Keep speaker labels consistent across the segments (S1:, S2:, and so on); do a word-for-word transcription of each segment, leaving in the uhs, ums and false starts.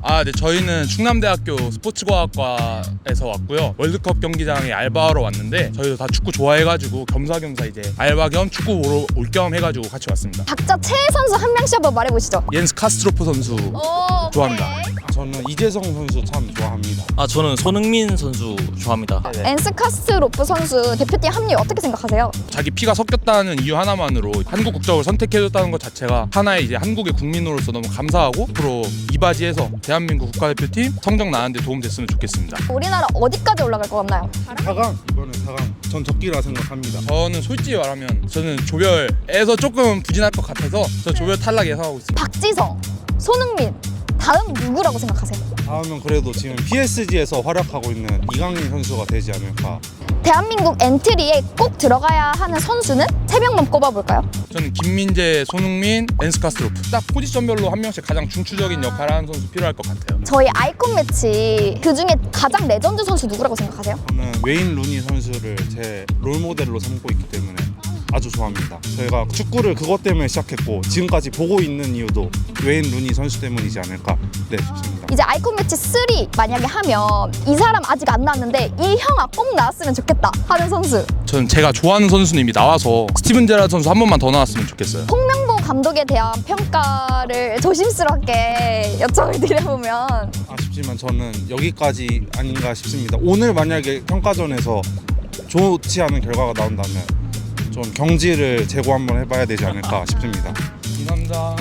S1: 아, 네, 저희는 충남대학교 스포츠과학과에서 왔고요. 월드컵 경기장에 알바하러 왔는데 저희도 다 축구 좋아해가지고 겸사겸사 이제 알바 겸 축구 보러 올 겸 해가지고 같이 왔습니다.
S2: 각자 최애 선수 한 명씩 한번 말해보시죠.
S1: 옌스 카스트로프 선수
S2: 오,
S1: 좋아합니다.
S2: 오케이.
S3: 저는 이재성 선수 참 좋아합니다.
S4: 아 저는 손흥민 선수 좋아합니다.
S2: 엔스 카스트로프 선수 대표팀 합류 어떻게 생각하세요?
S1: 자기 피가 섞였다는 이유 하나만으로 한국 국적을 선택해줬다는 것 자체가 하나의 이제 한국의 국민으로서 너무 감사하고 앞으로 이바지에서 대한민국 국가대표팀 성적 나는데 도움 됐으면 좋겠습니다.
S2: 우리나라 어디까지 올라갈 것 같나요?
S3: 사 강 이번에 사 강 전 적기라 생각합니다.
S1: 저는 솔직히 말하면 저는 조별에서 조금 부진할 것 같아서 저 조별 탈락 예상하고 있습니다.
S2: 박지성, 손흥민, 다음 누구라고 생각하세요?
S3: 다음은 그래도 지금 피에스지에서 활약하고 있는 이강인 선수가 되지 않을까.
S2: 대한민국 엔트리에 꼭 들어가야 하는 선수는 세 명만 꼽아볼까요?
S1: 저는 김민재, 손흥민, 앤스 카스트로프 딱 포지션별로 한 명씩 가장 중추적인 역할을 하는 선수 필요할 것 같아요.
S2: 저희 아이콘 매치 그 중에 가장 레전드 선수 누구라고 생각하세요?
S3: 저는 웨인 루니 선수를 제 롤모델로 삼고 있기 때문에 아주 좋아합니다. 저희가 축구를 그것 때문에 시작했고 지금까지 보고 있는 이유도 웨인 루니 선수 때문이지 않을까 네 싶습니다.
S2: 이제 아이콘 매치 삼 만약에 하면 이 사람 아직 안 나왔는데 이 형아 꼭 나왔으면 좋겠다 하는 선수.
S1: 저는 제가 좋아하는 선수는 이미 나와서 스티븐 제라드 선수 한 번만 더 나왔으면 좋겠어요.
S2: 홍명보 감독에 대한 평가를 조심스럽게 요청을 드려보면
S3: 아쉽지만 저는 여기까지 아닌가 싶습니다. 오늘 만약에 평가전에서 좋지 않은 결과가 나온다면 좀 경지를 재고 한번 해봐야 되지 않을까 싶습니다.
S1: 이 남자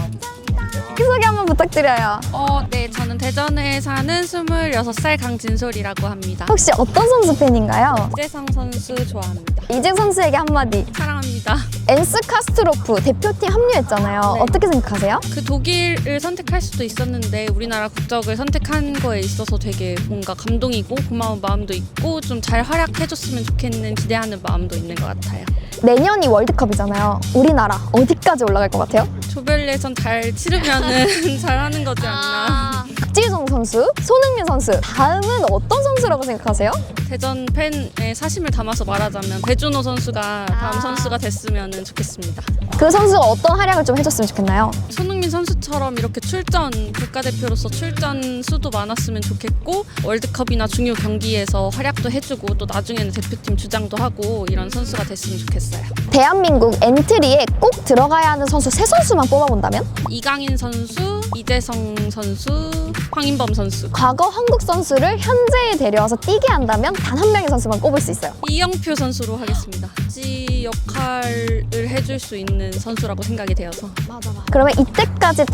S2: 소개 한번 부탁드려요.
S5: 어, 네, 저는 대전에 사는 스물여섯 살 강진솔이라고 합니다.
S2: 혹시 어떤 선수 팬인가요?
S5: 이재성 선수 좋아합니다.
S2: 이재 선수에게 한마디.
S5: 사랑합니다.
S2: 엔스 카스트로프 대표팀 합류했잖아요.
S5: 네.
S2: 어떻게 생각하세요?
S5: 그 독일을 선택할 수도 있었는데 우리나라 국적을 선택한 거에 있어서 되게 뭔가 감동이고 고마운 마음도 있고 좀 잘 활약해줬으면 좋겠는 기대하는 마음도 있는 것 같아요.
S2: 내년이 월드컵이잖아요. 우리나라 어디까지 올라갈 것 같아요?
S5: 조별 예선 잘 치르면은 잘하는 거지 않나.
S2: 박지성 선수, 손흥민 선수 다음은 어떤 선수라고 생각하세요?
S5: 대전 팬의 사심을 담아서 말하자면 배준호 선수가 다음
S2: 아.
S5: 선수가 됐으면 좋겠습니다.
S2: 그 선수가 어떤 활약을 좀 해줬으면 좋겠나요?
S5: 손흥민 선수처럼 이렇게 출전, 국가대표로서 출전 수도 많았으면 좋겠고 월드컵이나 중요 경기에서 활약도 해주고 또 나중에는 대표팀 주장도 하고 이런 선수가 됐으면 좋겠어요.
S2: 대한민국 엔트리에 꼭 들어가야 하는 선수 세 선수만 뽑아본다면?
S5: 이강인 선수, 이재성 선수, 황인범 선수.
S2: 과거 한국 선수를 현재에 데려와서 뛰게 한다면 단 한 명의 선수만 꼽을 수 있어요.
S5: 이영표 선수로 하겠습니다. 지 역할을 해줄 수 있는 선수라고 생각이 되어서.
S2: 그러면 이때까지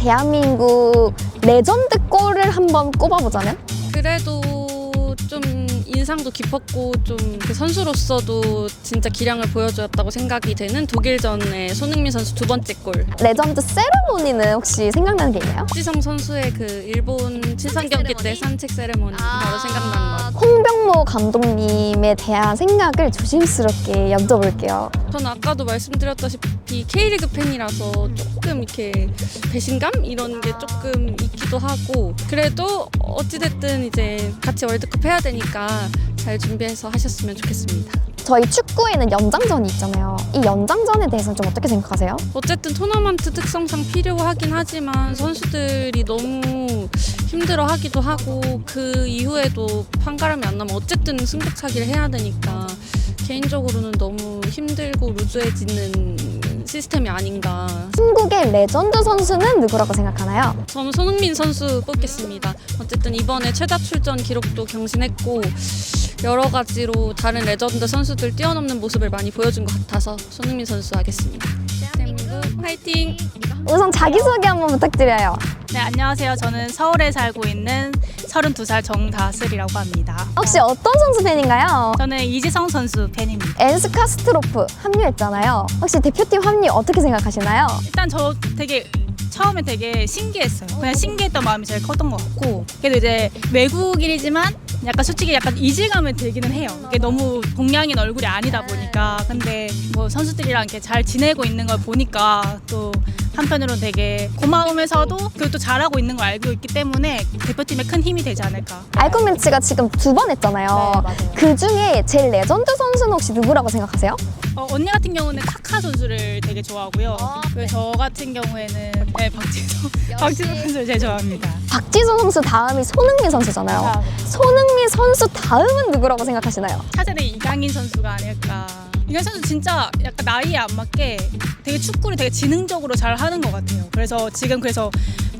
S2: 대한민국 레전드 골을 한번 꼽아보자면?
S5: 그래도 좀 인상도 깊었고 좀 그 선수로서도 진짜 기량을 보여주었다고 생각이 되는 독일전의 손흥민 선수 두 번째 골.
S2: 레전드 세레모니는 혹시 생각나는 게 있나요?
S5: 박지성 선수의 그 일본 친선 경기 때 산책 세레모니 바로 생각나는 것 같아요.
S2: 홍병모 감독님에 대한 생각을 조심스럽게 여쭤볼게요.
S5: 저는 아까도 말씀드렸다시피 K리그 팬이라서 조금 이렇게 배신감 이런 게 조금 있기도 하고 그래도 어찌됐든 이제 같이 월드컵 해야 되니까 잘 준비해서 하셨으면 좋겠습니다.
S2: 저희 축구에는 연장전이 있잖아요. 이 연장전에 대해서는 좀 어떻게 생각하세요?
S5: 어쨌든 토너먼트 특성상 필요하긴 하지만 선수들이 너무 힘들어하기도 하고 그 이후에도 판가름이 안 나면 어쨌든 승부차기를 해야 되니까 개인적으로는 너무 힘들고 루즈해지는 시스템이 아닌가.
S2: 한국의 레전드 선수는 누구라고 생각하나요?
S5: 저는 손흥민 선수 뽑겠습니다. 어쨌든 이번에 최다 출전 기록도 경신했고 여러 가지로 다른 레전드 선수들 뛰어넘는 모습을 많이 보여준 것 같아서 손흥민 선수 하겠습니다. 대한민국 화이팅!
S2: 우선 자기소개 한번 부탁드려요.
S6: 네, 안녕하세요. 저는 서울에 살고 있는 서른두 살 정다슬이라고 합니다.
S2: 혹시 어떤 선수 팬인가요?
S6: 저는 이지성 선수 팬입니다.
S2: 엔스 카스트로프 합류했잖아요. 혹시 대표팀 합류 어떻게 생각하시나요?
S6: 일단 저 되게 처음에 되게 신기했어요. 그냥 신기했던 마음이 제일 컸던 것 같고 그래도 이제 외국인이지만 약간 솔직히 약간 이질감은 들기는 해요. 이게 너무 동양인 얼굴이 아니다 보니까 근데 뭐 선수들이랑 이렇게 잘 지내고 있는 걸 보니까 또 한편으로는 되게 고마우면서도 그리고 또 잘하고 있는 걸 알고 있기 때문에 대표팀에 큰 힘이 되지 않을까.
S2: 알콘매치가 지금 두 번 했잖아요. 그 중에 제일 레전드 선수는 혹시 누구라고 생각하세요?
S6: 어, 언니 같은 경우는 카카 선수를 되게 좋아하고요. 그리고 저 같은 경우에는 네, 박지성 박지성 선수를 제일 좋아합니다.
S2: 박지성 선수 다음이 손흥민 선수잖아요. 손흥민 선수 다음은 누구라고 생각하시나요?
S6: 차세대 이강인 선수가 아닐까. 이강인 선수 진짜 약간 나이에 안 맞게 되게 축구를 되게 지능적으로 잘 하는 것 같아요. 그래서 지금 그래서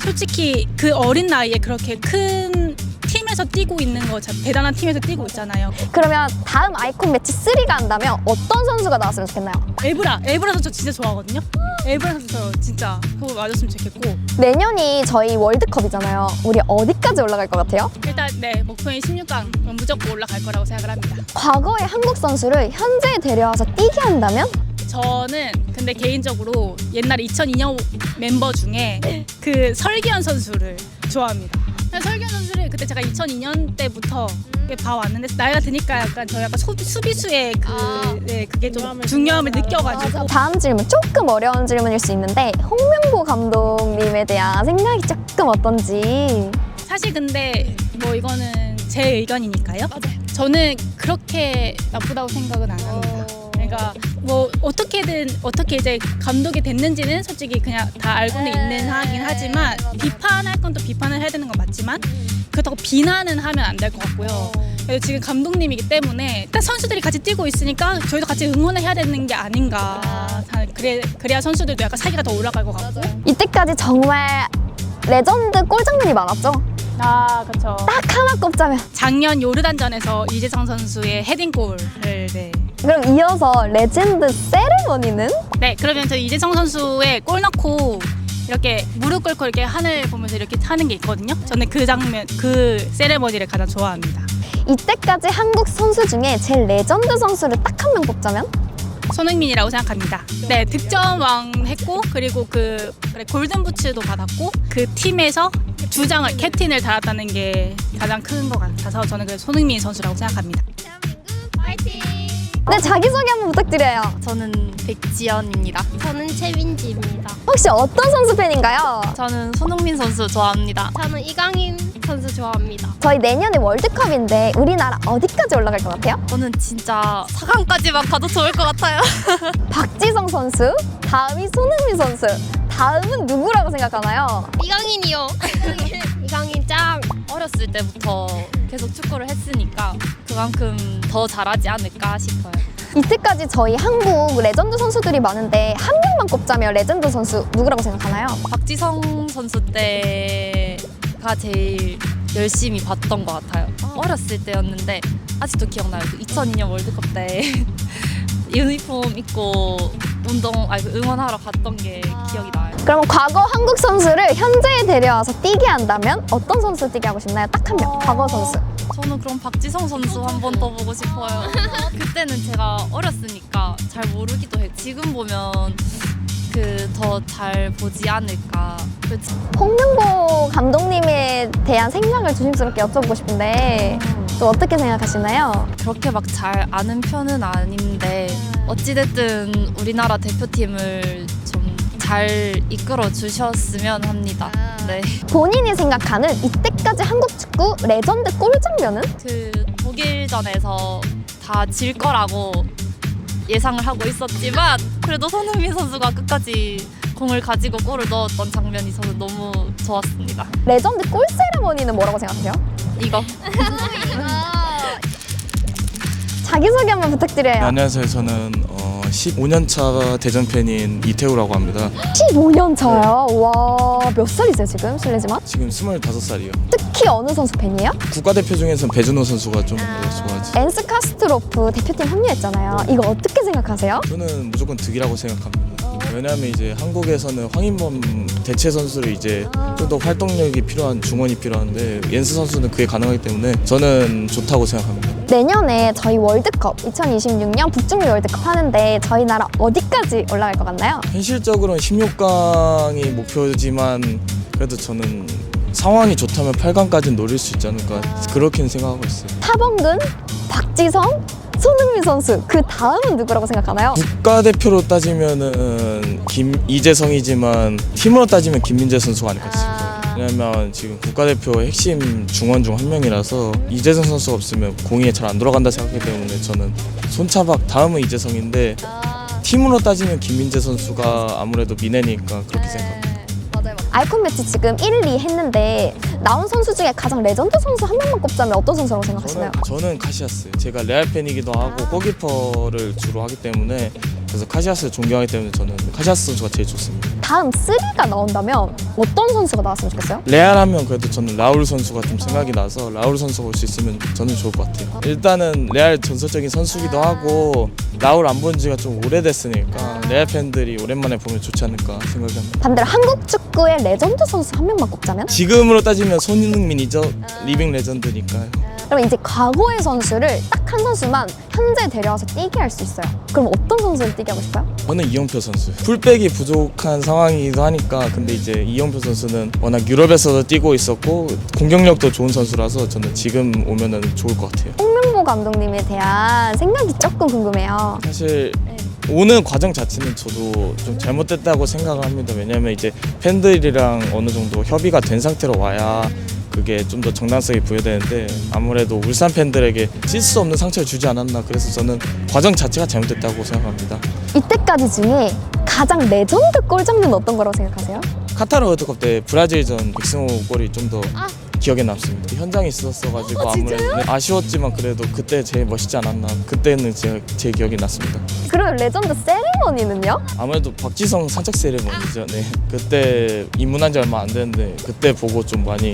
S6: 솔직히 그 어린 나이에 그렇게 큰 팀에서 뛰고 있는 거 참 대단한 팀에서 뛰고 있잖아요.
S2: 그러면 다음 아이콘 매치 쓰리가 한다면 어떤 선수가 나왔으면 좋겠나요?
S6: 에브라, 에브라 선수 저 진짜 좋아하거든요. 에브라 선수 저 진짜 그거 맞았으면 좋겠고.
S2: 내년이 저희 월드컵이잖아요. 우리 어디까지 올라갈 것 같아요?
S6: 일단 네 목표인 십육 강 무조건 올라갈 거라고 생각을 합니다.
S2: 과거의 한국 선수를 현재에 데려와서 뛰게 한다면?
S6: 저는 근데 개인적으로 옛날 이천이 년 멤버 중에 그 설기현 선수를 좋아합니다. 설기현 선수를 그때 제가 이천이 년 때부터 봐왔는데 나이가 드니까 약간 저 약간 소, 수비수의 그 네, 그게 좀 중요함을 느껴가지고.
S2: 다음 질문, 조금 어려운 질문일 수 있는데 홍명보 감독님에 대한 생각이 조금 어떤지.
S6: 사실 근데 뭐 이거는 제 의견이니까요. 저는 그렇게 나쁘다고 생각은 안 합니다. 그러니까 뭐 어떻게든 어떻게 이제 감독이 됐는지는 솔직히 그냥 다 알고는 있는 하긴 하지만 비판할 건 또 비판을 해야 되는 건 맞지만 그렇다고 비난은 하면 안 될 것 같고요. 그래서 지금 감독님이기 때문에 일단 선수들이 같이 뛰고 있으니까 저희도 같이 응원을 해야 되는 게 아닌가. 그래, 그래야 선수들도 약간 사기가 더 올라갈 것 같고.
S2: 이때까지 정말 레전드 골 장면이 많았죠?
S6: 아 그렇죠.
S2: 딱 하나 꼽자면.
S6: 작년 요르단전에서 이재성 선수의 헤딩골을 네.
S2: 그럼 이어서 레전드 세레머니는?
S6: 네, 그러면 저 이재성 선수의 골 넣고 이렇게 무릎 꿇고 이렇게 하늘 보면서 이렇게 하는 게 있거든요. 저는 그 장면, 그 세레머니를 가장 좋아합니다.
S2: 이때까지 한국 선수 중에 제일 레전드 선수를 딱 한 명 뽑자면?
S6: 손흥민이라고 생각합니다. 네, 득점왕 했고 그리고 그 그래, 골든부츠도 받았고 그 팀에서 주장을 캡틴을 달았다는 게 가장 큰 것 같아서 저는 그 손흥민 선수라고 생각합니다.
S2: 네, 자기소개 한번 부탁드려요.
S7: 저는 백지연입니다. 저는 최민지입니다.
S2: 혹시 어떤 선수 팬인가요?
S7: 저는 손흥민 선수 좋아합니다.
S8: 저는 이강인 선수 좋아합니다.
S2: 저희 내년에 월드컵인데 우리나라 어디까지 올라갈 것 같아요?
S7: 저는 진짜 사 강까지만 가도 좋을 것 같아요.
S2: 박지성 선수, 다음이 손흥민 선수, 다음은 누구라고 생각하나요?
S8: 이강인이요. 이강인 짱.
S7: 어렸을 때부터 계속 축구를 했으니까 그만큼 더 잘하지 않을까 싶어요.
S2: 이때까지 저희 한국 레전드 선수들이 많은데 한 명만 꼽자면 레전드 선수 누구라고 생각하나요?
S7: 박지성 선수 때가 제일 열심히 봤던 것 같아요. 어렸을 때였는데 아직도 기억나요. 그 이천이 년 월드컵 때 유니폼 입고 운동, 아니 응원하러 갔던 게 기억이 나요.
S2: 그럼 과거 한국 선수를 현재에 데려와서 뛰게 한다면 어떤 선수 뛰게 하고 싶나요? 딱 한 명, 과거 선수.
S7: 저는 그럼 박지성 선수 한 번 더 보고 싶어요. 그때는 제가 어렸으니까 잘 모르기도 해요. 지금 보면 그 더 잘 보지 않을까. 그치?
S2: 홍명보 감독님에 대한 생각을 조심스럽게 여쭤보고 싶은데 또 어떻게 생각하시나요?
S7: 그렇게 막 잘 아는 편은 아닌데 어찌됐든 우리나라 대표팀을 좀 잘 이끌어 주셨으면 합니다. 네.
S2: 본인이 생각하는 이때까지 한국 축구 레전드 골 장면은?
S7: 그 독일전에서 다 질 거라고 예상을 하고 있었지만 그래도 손흥민 선수가 끝까지 공을 가지고 골을 넣었던 장면이 저는 너무 좋았습니다.
S2: 레전드 골 세레머니는 뭐라고 생각하세요?
S7: 이거.
S2: 자기소개 한번 부탁드려요.
S9: 네, 안녕하세요. 저는 어, 십오 년 차 대전 팬인 이태우라고 합니다.
S2: 십오 년 차요? 와, 몇 살이세요 지금? 실례지만.
S9: 지금 스물다섯 살이요.
S2: 특히 어느 선수 팬이에요?
S9: 국가대표 중에서는 배준호 선수가 좀 더 좋아하지.
S2: 엔스 카스트로프 대표팀 합류했잖아요. 이거 어떻게 생각하세요?
S9: 저는 무조건 득이라고 생각합니다. 왜냐하면 이제 한국에서는 황인범 대체 선수를 이제 좀 더 활동력이 필요한 중원이 필요한데 옌스 선수는 그게 가능하기 때문에 저는 좋다고 생각합니다.
S2: 내년에 저희 월드컵 이천이십육 년 북중미 월드컵 하는데 저희 나라 어디까지 올라갈 것 같나요?
S9: 현실적으로는 십육 강이 목표지만 그래도 저는 상황이 좋다면 팔 강까지는 노릴 수 있지 않을까 그렇게는 생각하고 있어요.
S2: 타범근, 박지성, 손흥민 선수 그 다음은 누구라고 생각하나요?
S9: 국가대표로 따지면은 김이재성이지만 팀으로 따지면 김민재 선수가 아닐까 싶어요. 왜냐면 지금 국가대표 핵심 중원 중 한 명이라서 이재성 선수가 없으면 공이 잘 안 돌아간다 생각하기 때문에 저는 손차박 다음은 이재성인데 팀으로 따지면 김민재 선수가 아무래도 미네니까 그렇게 생각합니다.
S2: 아이콘 매치 지금 일, 이 했는데 나온 선수 중에 가장 레전드 선수 한 명만 꼽자면 어떤 선수라고 생각하시나요?
S9: 저는, 저는 카시아스. 제가 레알 팬이기도 하고 골키퍼를 주로 하기 때문에 그래서 카시아스를 존경하기 때문에 저는 카시아스 선수가 제일 좋습니다.
S2: 다음 삼가 나온다면 어떤 선수가 나왔으면 좋겠어요?
S9: 레알 하면 그래도 저는 라울 선수가 좀 생각이 나서 라울 선수가 올 수 있으면 저는 좋을 것 같아요. 일단은 레알 전설적인 선수기도 하고 라울 안 본 지가 좀 오래됐으니까 레알 팬들이 오랜만에 보면 좋지 않을까 생각이 합니다.
S2: 반대로 한국 축구의 레전드 선수 한 명만 꼽자면?
S9: 지금으로 따지면 손흥민이죠. 리빙 레전드니까요.
S2: 그럼 이제 과거의 선수를 딱 한 선수만 현재 데려와서 뛰게 할 수 있어요. 그럼 어떤 선수를 뛰게 하고 싶어요?
S9: 저는 이영표 선수. 풀백이 부족한 상황이기도 하니까 근데 이제 이영표 선수는 워낙 유럽에서도 뛰고 있었고 공격력도 좋은 선수라서 저는 지금 오면은 좋을 것 같아요.
S2: 홍명보 감독님에 대한 생각이 조금 궁금해요.
S9: 사실 오는 과정 자체는 저도 좀 잘못됐다고 생각을 합니다. 왜냐하면 이제 팬들이랑 어느 정도 협의가 된 상태로 와야 그게 좀 더 정당성이 부여되는데 아무래도 울산 팬들에게 찔 수 없는 상처를 주지 않았나 그래서 저는 과정 자체가 잘못됐다고 생각합니다.
S2: 이때까지 중에 가장 레전드 골장면 어떤 거라고 생각하세요?
S9: 카타르 월드컵 때 브라질전 백승호 골이 좀 더 기억에 남습니다. 현장에 있었어가지고
S2: 어,
S9: 아무래도 네, 아쉬웠지만 그래도 그때 제일 멋있지 않았나 그때는 제, 제 기억이 났습니다.
S2: 그럼 레전드 세리머니는요?
S9: 아무래도 박지성 산책 세레머니죠. 네. 그때 입문한 지 얼마 안 됐는데 그때 보고 좀 많이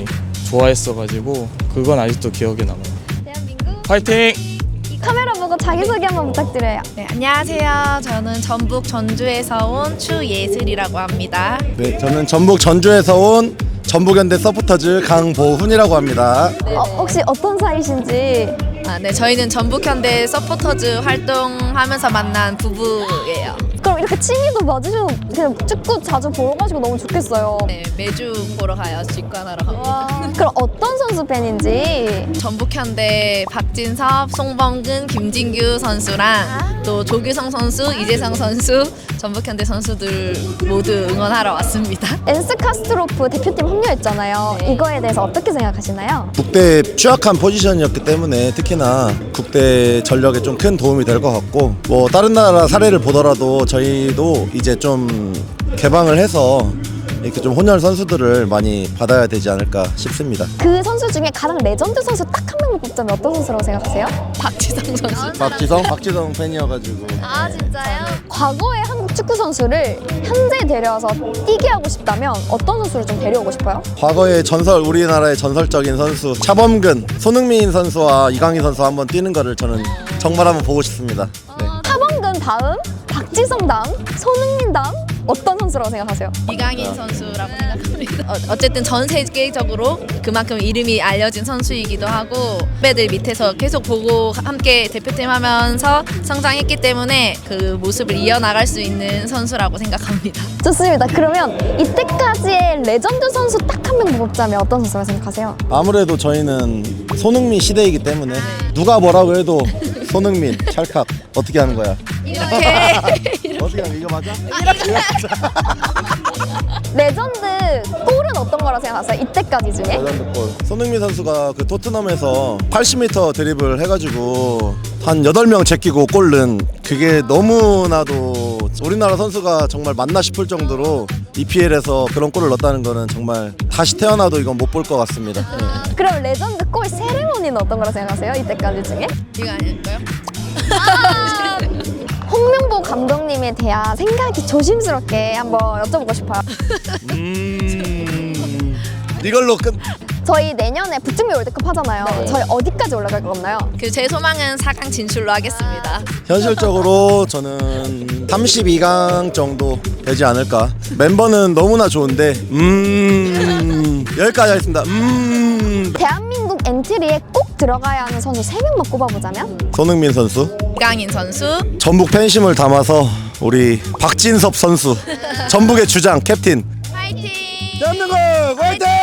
S9: 좋아했어가지고 그건 아직도 기억에 남아요.
S2: 대한민국
S9: 파이팅!
S2: 카메라 보고 자기소개 한번 부탁드려요.
S10: 네, 안녕하세요. 저는 전북 전주에서 온 추예슬이라고 합니다.
S11: 네, 저는 전북 전주에서 온 전북현대 서포터즈 강보훈이라고 합니다.
S2: 어, 혹시 어떤 사이신지?
S10: 아, 네, 저희는 전북현대 서포터즈 활동하면서 만난 부부예요.
S2: 그럼 이렇게 취미도 맞으셔서 그냥 축구 자주 보러 가시고 너무 좋겠어요.
S10: 네, 매주 보러 가요. 직관하러 갑니다.
S2: 그럼 어떤 선수 팬인지?
S10: 전북현대 박진섭, 송범근, 김진규 선수랑 또 조규성 선수, 이재성 선수, 전북현대 선수들 모두 응원하러 왔습니다.
S2: 엔스 카스트로프 대표팀 합류했잖아요.
S10: 네.
S2: 이거에 대해서 어떻게 생각하시나요?
S11: 국대 취약한 포지션이었기 때문에 특히나 국대 전력에 좀 큰 도움이 될 것 같고 뭐 다른 나라 사례를 보더라도 저희도 이제 좀 개방을 해서 이렇게 좀 혼혈 선수들을 많이 받아야 되지 않을까 싶습니다.
S2: 그 선수 중에 가장 레전드 선수 딱 한 명만 꼽자면 어떤 선수라고 생각하세요?
S10: 박지성 선수.
S11: 박지성? 박지성 팬이어가지고.
S2: 아 진짜요? 과거의 한국 축구 선수를 현재 데려와서 뛰게 하고 싶다면 어떤 선수를 좀 데려오고 싶어요?
S11: 과거의 전설, 우리나라의 전설적인 선수 차범근, 손흥민 선수와 이강인 선수 한번 뛰는 거를 저는 정말 한번 보고 싶습니다. 네.
S2: 차범근 다음, 박지성 다음, 손흥민 다음 어떤 선수라고 생각하세요?
S10: 이강인 선수라고 생각합니다. 어, 어쨌든 전 세계적으로 그만큼 이름이 알려진 선수이기도 하고 후배들 밑에서 계속 보고 함께 대표팀 하면서 성장했기 때문에 그 모습을 이어나갈 수 있는 선수라고 생각합니다.
S2: 좋습니다. 그러면 이때까지의 레전드 선수 딱 한 명 뽑자면 어떤 선수라고 생각하세요?
S11: 아무래도 저희는 손흥민 시대이기 때문에 누가 뭐라고 해도 손흥민, 찰칵 어떻게 하는 거야?
S10: 이렇게
S11: 어떻게 하는 거 이거 맞아?
S2: 레전드 골은 어떤 거라고 생각하세요? 이때까지 중에?
S11: 레전드 골. 손흥민 선수가 그 토트넘에서 팔십 미터 드리블 해가지고 한 여덟 명 제끼고 골 넣은 그게 너무나도 우리나라 선수가 정말 맞나 싶을 정도로 이피엘에서 그런 골을 넣었다는 거는 정말 다시 태어나도 이건 못 볼 것 같습니다. 네.
S2: 그럼 레전드 골 세레모니는 어떤 거라고 생각하세요? 이때까지 중에?
S10: 이거 아닐까요?
S2: 홍명보 감독님에 대한 생각이 조심스럽게 한번 여쭤보고 싶어요.
S11: 음... 이걸로 끝.
S2: 저희 내년에 북중미 월드컵 하잖아요. 저희 어디까지 올라갈 것 같나요?
S10: 그 제 소망은 사 강 진출로 하겠습니다.
S11: 현실적으로 저는 삼십이 강 정도 되지 않을까. 멤버는 너무나 좋은데 음... 여기까지 하겠습니다. 음...
S2: 대한민국 엔트리에 꼭 들어가야 하는 선수 세 명만 꼽아보자면?
S11: 손흥민 선수,
S10: 이강인 선수,
S11: 전북 팬심을 담아서 우리 박진섭 선수, 전북의 주장 캡틴.
S10: 파이팅!
S11: 대한민국 화이팅!